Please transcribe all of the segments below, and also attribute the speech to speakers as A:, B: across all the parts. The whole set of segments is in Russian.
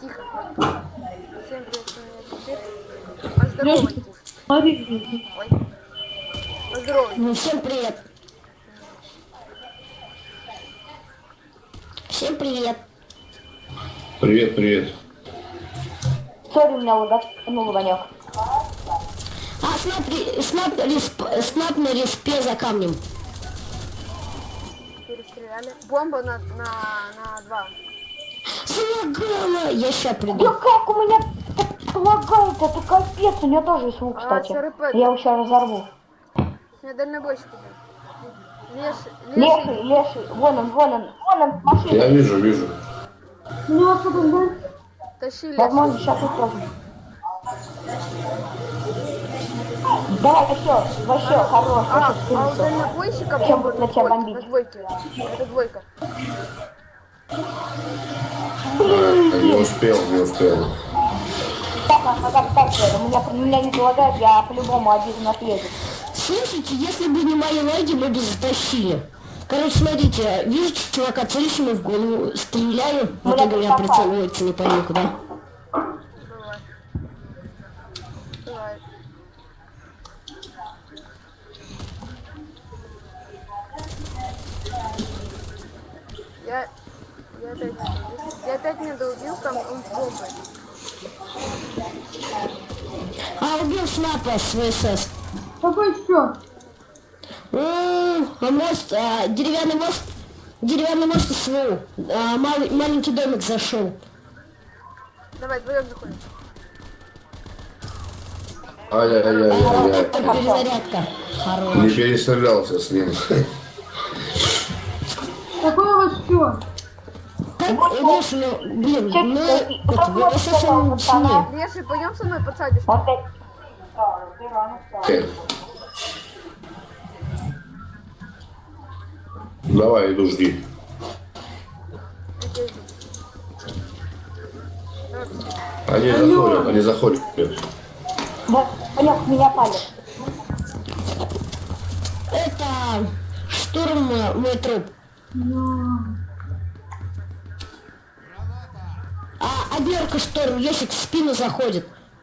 A: Тихо. Всем привет, с вами теперь. Поздоровайтесь. Ой. Поздоровайтесь.
B: Ну, всем привет. Всем привет.
C: Привет, привет.
D: Сори, у меня лаганул Ванек.
B: А, снап на респе за камнем.
A: Перестреляли. Бомба на 2.
B: Залагала. Я ща
D: Да
B: приду.
D: как у меня так лагает, это капец, у меня тоже есть лук, кстати.
A: СРП.
D: Я его сейчас разорву.
A: Меня дальнобойщик идет. Леший.
D: Леший, вон он, машина.
C: Я вижу.
A: Тащи
D: Возможно,
A: леший.
D: сейчас и тоже. Давай, вообще, хорош,
A: А
D: вообще
A: у
D: скрылся.
A: дальнобойщика
D: Чем
A: бомба
D: будут на тебя
A: на
D: бомбить?
A: двойке. Это двойка.
C: Не успел.
D: Так, у меня не залагает, я по-любому один отъеду.
B: Слушайте, если бы не мои ноги, мы бы затащили. Короче, смотрите, вижу чувака, целюсь ему в голову, стреляю, в итоге у меня прицеливается не пойми куда.
A: Бывает. Я опять не долбил, там он с бомбой.
B: А, убил снапа с ВСС.
E: Какой еще?
B: Мост, деревянный мост СВУ. Маленький домик зашел.
A: Давай, вдвоем заходим.
C: Ай-яй-яй-яй-яй.
B: Перезарядка.
C: Не
B: Хорош.
C: перестрелялся с ним.
E: Какой у вас счет?
B: Так, Леша, ну, блин, мы ВСС сильнее.
A: Леший, пойдем со мной подсадишь.
D: Вот это.
C: Давай, иду, жди.
A: Я тебя жду.
C: Они заходят.
D: Ванек, меня палит.
B: Это штурм мой труп. А Берка шторм, Есик в спину заходит.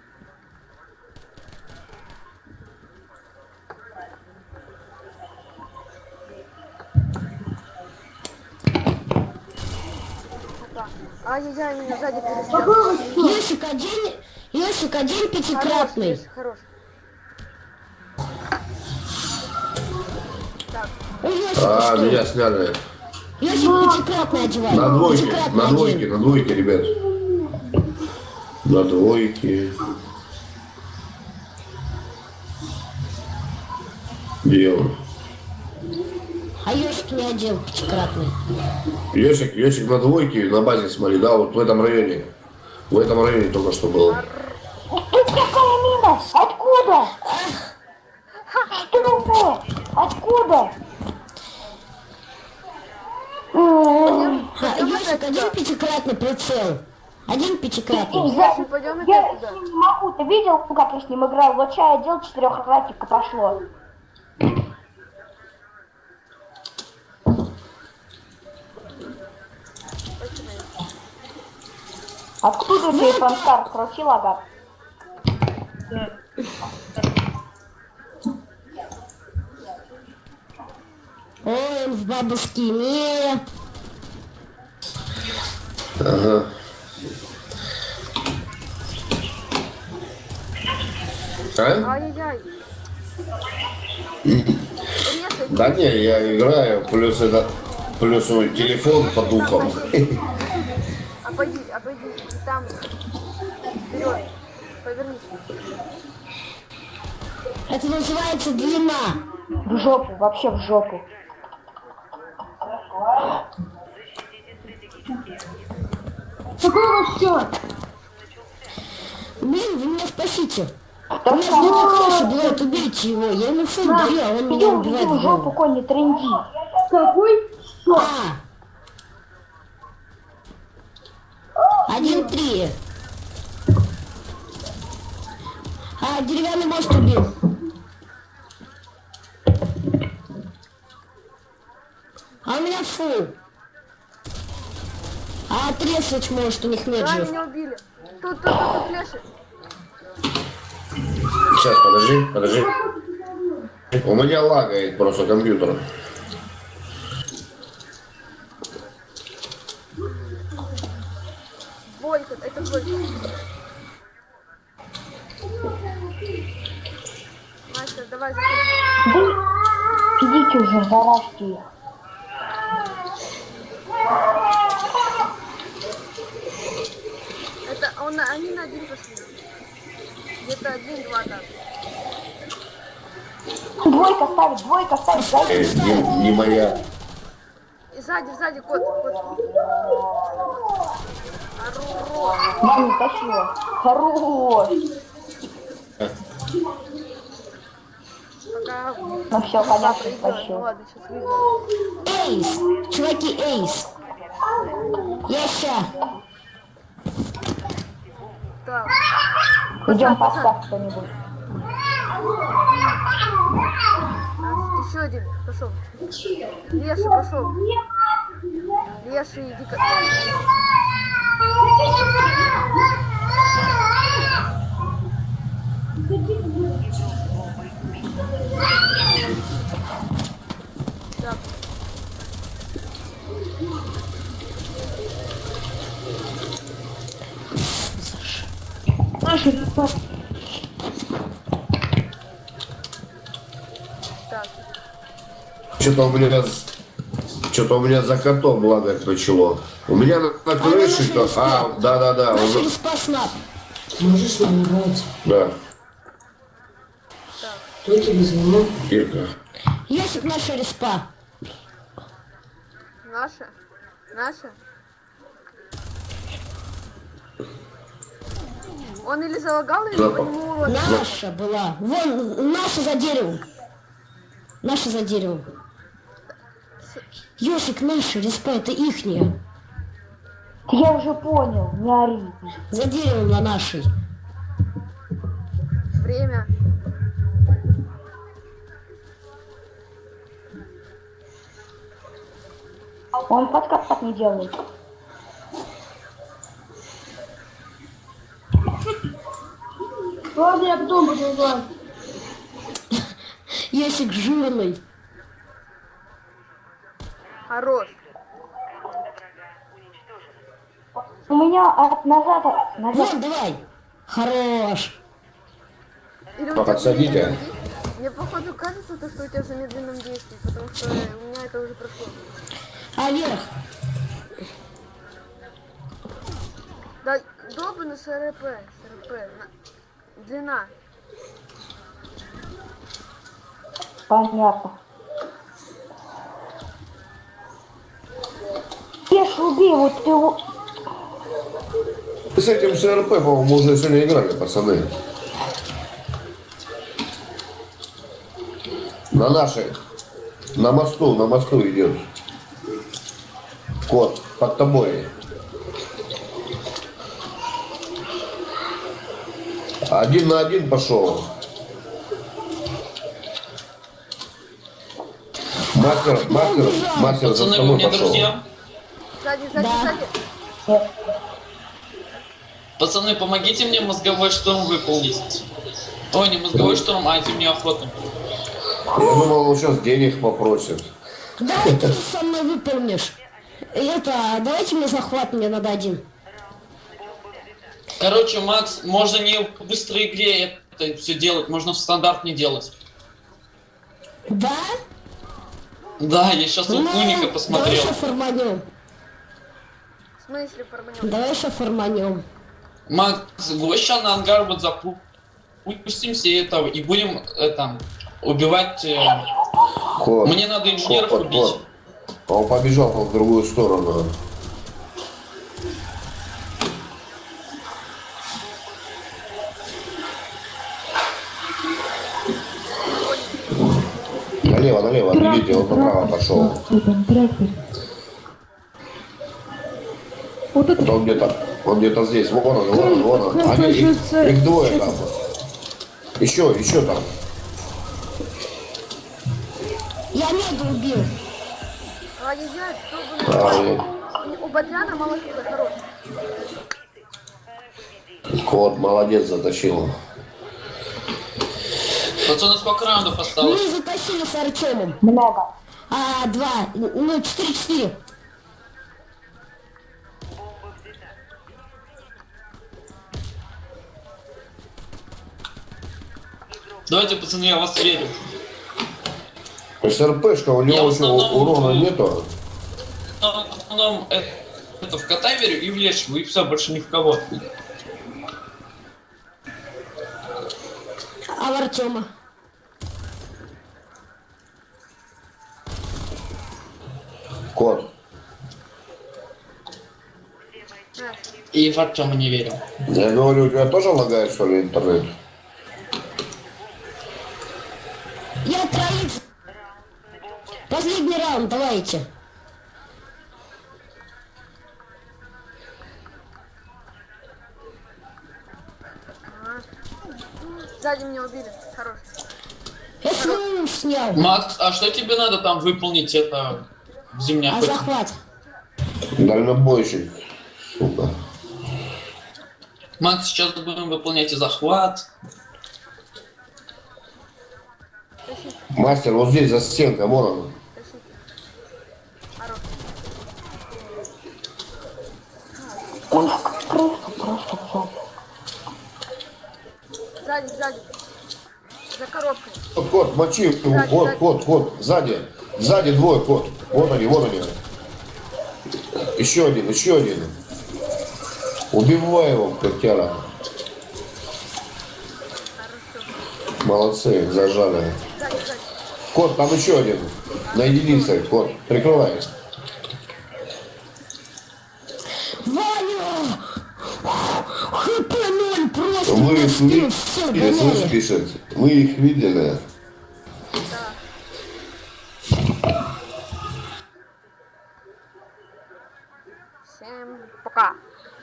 A: Ай-яй-яй, меня сзади перестрелял.
B: Есик один
A: Хорош,
B: пятикратный.
A: Леш, хорош. Так,
B: У Есика
C: А,
B: что?
C: меня сняли.
B: Есик пятикратный одевает.
C: На двойке, ребят. На двойке. Дело.
B: А Есик не одел пятикратный.
C: Ёсик на двойке на базе, смотри, да, вот в этом районе. В этом районе только что было.
D: Ты какая мина? Откуда? Что это? Откуда?
B: Есик один пятикратный прицел. Один пятикратный.
A: Леший, пойдем
D: Я
A: опять
D: с
A: туда.
D: ним не могу. Ты видел, как я с ним играл? Вот сейчас я делал 4-кратника прошло. Откуда ты фанстар крутил, ага?
B: Ой, он в бабушке не.
C: Ага. А?
A: Ай-яй-яй. Резай.
C: Да не, я играю, плюс мой телефон по духам.
A: Обойди. И там. Вперед. Повернись.
B: Это называется длина.
D: В жопу, вообще в жопу.
E: Какой у вас счет?
B: Блин, вы меня спасите.
D: Да
B: У меня с двух блядь, убейте его. Я ему фон даю, а он меня убивает
D: Иди в
B: в
D: жопу,
B: голову.
D: конь, не тренди.
E: Какой счет?
B: 1-3. Деревянный мост убил. А у меня фул. А отрезать может, у них нет
A: Да,
B: жив.
A: меня убили. Тут флеши.
C: Сейчас, подожди. У меня лагает просто компьютер.
A: Двойка, это двойка. Мастер, давай заходи.
D: Да идите уже, заражьте их.
A: Это они на один пошли. Где-то 1-2 так.
D: Двойка ставит, зайди.
C: Не моя.
A: И сзади кот. Хорош.
D: Маму тащила. Хорош.
A: Пока
D: Ну все, понятно,
A: придет. Ну
D: тащил.
A: ладно, сейчас выйдем.
B: Эйс! Чуваки, эйс! Я ща!
A: Так.
D: Идем
A: Пацан.
D: поставь кто-нибудь.
A: Еще один. Пошел. Леша, пошел. Леша, иди-ка. Так.
E: Наша респа.
A: Так.
C: Что-то у меня за котом лагать начало. У меня на крыше то. Да.
B: Наша
C: уже-
B: респа снап.
F: Можешь нам играть?
C: Да.
F: Кто тебе звонил?
C: Ирка.
B: Ясик, наша респа.
A: Наша? Он или залагал, или
C: Да.
A: по нему урон.
B: Наша была. Вон, наша за деревом. Наша за деревом. Ёшик, наша респа, это ихняя.
D: Я уже понял, не ори.
B: За деревом на нашей.
A: Время.
D: Он подкат так не делает.
E: Ладно, я потом буду играть.
B: Ясик жирный.
A: Хорош.
D: У меня назад.
B: Вон, давай. Хорош.
A: Или у
C: Ну,
A: тебя
C: подсадите.
A: замедленное действие? Мне походу кажется, что у тебя в замедленном действии, потому что у меня это уже прошло.
B: А вверх.
A: Да, долбанный СРП. Длина.
D: Понятно. Ешь, убей, вот ты его.
C: С этим СРП, по-моему, уже сегодня играли, пацаны. На нашей. На мосту идет. Кот, под тобой. Один на один пошел. Мастер за
G: Пацаны, вы
C: тобой
G: мне
C: пошел.
G: друзья?
A: Сзади.
G: Пацаны, помогите мне мозговой шторм выполнить. Ой, не мозговой шторм, а зимнюю охоту.
C: Я думал, он сейчас денег попросит.
B: Давай ты со мной выполнишь. Это, давайте мне захват, мне надо один.
G: Короче, Макс, можно не в быстрой игре это все делать, можно в стандарт не делать.
B: Да?
G: Да, я сейчас у Уника
B: Давай
G: посмотрел.
B: еще форманем.
A: В смысле форманем?
B: Давай еще форманем.
G: Макс, гвоздя на ангар вот запустимся этого и будем убивать.
C: Кот.
G: Мне надо инженеров убить.
C: А он побежал в другую сторону. Налево, видите, он направо пошел.
E: Вот это.
C: Он где-то здесь. Вон он. Их двое там. Еще там.
B: Я меду убил.
A: Ай-яй-яй, долбанный. У Бадьяна мало хп, хорош.
C: Кот, молодец, затащил.
G: Пацаны, сколько раундов осталось?
B: Мы затащили с Артемом.
D: Много.
B: 2, ну 4-4.
G: Давайте, пацаны, я вас верю.
C: СРПшка, у
G: Я
C: него
G: в
C: еще
G: основном-
C: урона нету.
G: В основном это в кота верю и в лешего, и все, больше ни в кого.
B: А в Артема?
C: Кот.
G: И в Артема не верю.
C: Я говорю, у тебя тоже лагает, что ли, интернет?
B: Я троих. Последний раунд, давайте.
A: Сзади меня убили. Хорош.
B: Я свою снял.
G: Макс, а что тебе надо там выполнить это в зимней
B: А
G: охоте?
B: захват?
C: Дальнобойщик. Сука.
G: Макс, сейчас будем выполнять и захват.
C: Мастер, вот здесь за стенкой, вон он.
A: Хорош.
D: Он в крысу просто взял.
A: Сзади. За коробкой.
C: Кот, мочи его, кот, сзади. Сзади двое, кот. Вот они. Еще один. Убивай его, котяра. Молодцы, зажали.
A: Сзади.
C: Кот, там еще один. На единице, кот. Прикрывай.
B: Ваня! ХП 0 просто.
C: Вы
B: на
C: их
B: спину всё,
C: видели, слышь,
B: гоняет.
C: пишет. Мы их видели.
A: Всем пока.